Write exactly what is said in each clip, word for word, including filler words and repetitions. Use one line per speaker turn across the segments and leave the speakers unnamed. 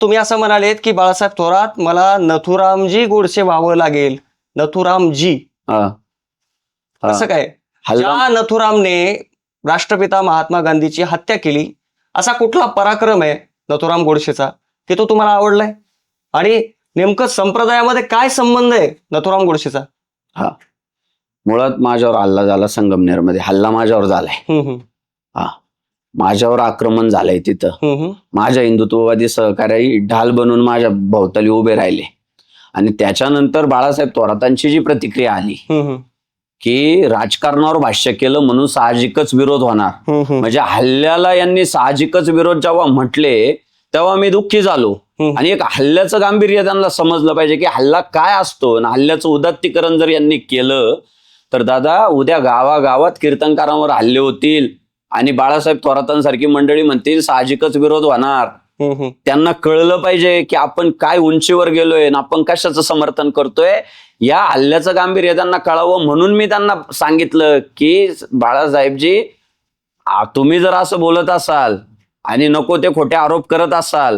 तुम्ही असं म्हणालेत की बाळासाहेब थोरात मला नथुरामजी गोडसे व्हावं लागेल. नथुरामजी
हा.
असं काय?
हल्ला
ज्या नथुरामने राष्ट्रपिता महात्मा गांधीची हत्या केली असा कुठला पराक्रम आहे नथुराम गोडसेचा की तो तुम्हाला आवडलाय? आणि नेमकं संप्रदायामध्ये काय संबंध आहे नथुराम गोडसेचा?
हा मुळात माझ्यावर हल्ला झाला संगमनेरमध्ये. हल्ला माझ्यावर झालाय.
हम्म, हम्म,
हा माझ्यावर आक्रमण झालंय तिथं.
हम्म, हम्म.
माझ्या हिंदुत्ववादी सहकारी ढाल बनून माझ्या भोवताली उभे राहिले आणि त्याच्यानंतर बाळासाहेब थोरातांची जी प्रतिक्रिया आली
हम्म, हम्म.
की राजकारणावर भाष्य केलं म्हणून साहजिकच विरोध होणार.
हम्म, हम्म.
म्हणजे हल्ल्याला यांनी साहजिकच विरोध जेव्हा म्हटले तेव्हा मी दुःखी झालो.
हम्म.
आणि एक हल्ल्याचं गांभीर्य त्यांना समजलं पाहिजे की हल्ला काय असतो आणि हल्ल्याचं उदात्तीकरण जर यांनी केलं तर दादा उद्या गावागावात कीर्तनकारांवर हल्ले होतील आणि बाळासाहेब थोरातांसारखी मंडळी म्हणतील साहजिकच विरोध होणार.
हम्म, हम्म.
त्यांना कळलं पाहिजे की आपण काय उंचीवर गेलोय आणि आपण कशाचं समर्थन करतोय. या हल्ल्याचं गांभीर्य त्यांना कळावं म्हणून मी त्यांना सांगितलं की बाळासाहेबजी आ, तुम्ही जर असं बोलत असाल आणि नको ते खोटे आरोप करत असाल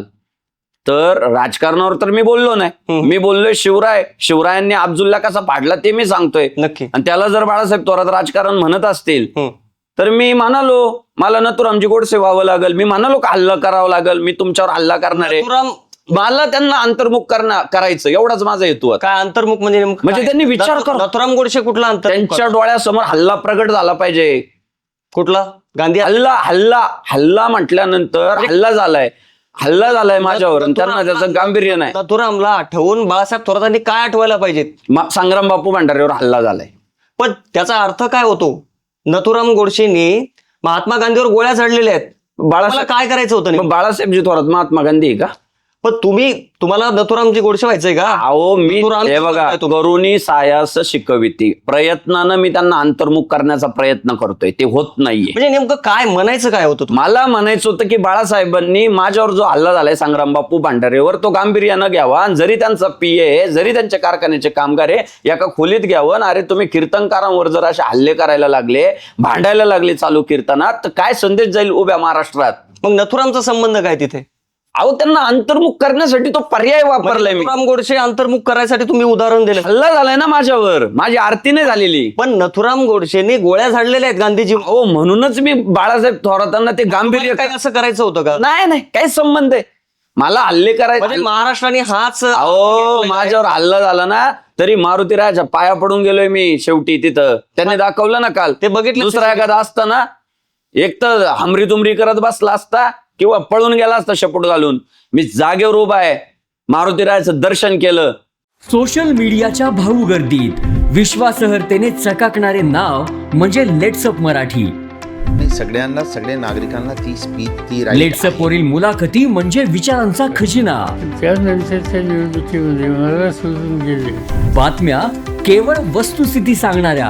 तर राजकारणावर तर मी बोललो नाही.
हम्म.
मी बोललोय शिवराय शिवरायांनी अब्दुल्ला कसा पाडला ते मी सांगतोय.
नक्की.
आणि त्याला जर बाळासाहेब थोरात राजकारण म्हणत असतील
हम्म.
तर मी म्हणालो मला नथुरामजी गोडसे व्हावं लागेल. मी म्हणालो का हल्ला करावं लागेल. मी तुमच्यावर हल्ला करणार आहे.
नथुराम
मला त्यांना अंतर्मुख करणार करायचं एवढाच माझा हेतू आहे.
काय अंतर्मुख म्हणजे नेमकं
म्हणजे
काय?
त्यांनी विचार
नथु-
कर-
नथुराम गोडसे कुठला अंतर्मुख?
त्यांच्या डोळ्यासमोर हल्ला प्रगट झाला पाहिजे.
कुठला? गांधी
हल्ला हल्ला हल्ला म्हटल्यानंतर हल्ला झालाय हल्ला झालाय माझ्यावर आणि त्यांना त्याचं गांभीर्य नाही.
नथुरामला आठवून बाळासाहेब थोरातांनी काय आठवायला पाहिजेत?
मा- संग्राम बापू भंडारेवर हल्ला झालाय.
पण त्याचा अर्थ काय होतो? नथुराम गोडसेंनी महात्मा गांधीवर गोळ्या झाडलेल्या आहेत. मला
बाळासाहेब
काय करायचं होतं
मग
नेमकं?
बाळासाहेबजी थोरात महात्मा गांधी आहे का?
पण तुम्ही तुम्हाला नथुरामजी गोडसे व्हायचंय का?
अहो मी
नथुराम-
हे बघा करुणी सायास शिकविती प्रयत्नानं मी त्यांना अंतर्मुख करण्याचा प्रयत्न करतोय ते होत नाहीये.
म्हणजे नेमकं काय म्हणायचं काय होतं तुम्हाला?
मला म्हणायचं होतं की बाळासाहेबांनी माझ्यावर जो हल्ला झालाय संग्राम बापू भांडारेवर तो गांभीर्यानं घ्यावा आणि जरी त्यांचा पीए आहे जरी त्यांच्या कारखान्याचे कामगार आहे एका खोलीत घ्यावं आणि अरे तुम्ही कीर्तनकारांवर जर असे हल्ले करायला लागले भांडायला लागले चालू कीर्तनात तर काय संदेश जाईल उभ्या महाराष्ट्रात?
मग नथुरामचा संबंध काय तिथे?
अहो त्यांना अंतर्मुख करण्यासाठी तो पर्याय वापरलाय मी.
नथुराम गोडसे अंतर्मुख करायसाठी तुम्ही उदाहरण दिलं.
हल्ला झालाय ना माझ्यावर माझी आरती नाही झालेली.
पण नथुराम गोडसेंनी गोळ्या झाडलेल्या आहेत गांधीजी.
हो म्हणूनच मी बाळासाहेब थोरातांना ते गांभीर्य
काय असं करायचं होतं का?
नाही नाही काही संबंध आहे. मला हल्ले करायचे
म्हणजे महाराष्ट्राने हाच
अहो माझ्यावर हल्ला झाला ना तरी मारुतीराजा पाया पडून गेलोय मी शेवटी तिथं. त्यांनी दाखवलं ना काल.
ते बघितलं.
दुसरा एखादा असता ना एक तर हमरी तुमरी करत बसला असता किंवा पळून गेला असता शेपूट घालून. मी जागेवर उभा आहे मारुतीराजाचं दर्शन केलं.
सोशल मीडियाच्या भाऊ गर्दीत विश्वासार्हतेने चकाकणारे नाव म्हणजे लेट्सअप मराठी.
नाही, सगळ्यांना सगळ्या नागरिकांना ती स्पीच ती right
लेट्सअप वरील मुलाखती म्हणजे विचारांचा खजिना.
त्यानंतरच्या निवडणुकीमध्ये मला सोडून गेले.
बातम्या केवळ वस्तुस्थिती सांगणाऱ्या,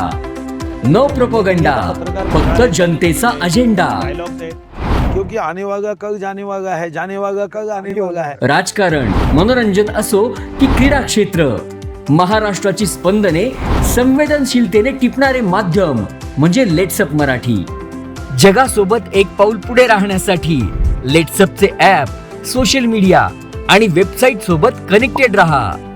न प्रोपगंडा, फक्त जनतेचा अजेंडा.
क्योंकि आने वाला कल जाने वाला है, जाने वाला कल आने वाला है.
राजकारण, मनोरंजन असो की क्रीडा क्षेत्र, महाराष्ट्राची स्पंदने संवेदनशीलतेने टिपणारे माध्यम म्हणजे लेट्सअप मराठी. जगासोबत एक पाऊल पुढे राहण्यासाठी लेट्सअपचे ॲप, सोशल मीडिया आणि वेबसाईट सोबत कनेक्टेड रहा.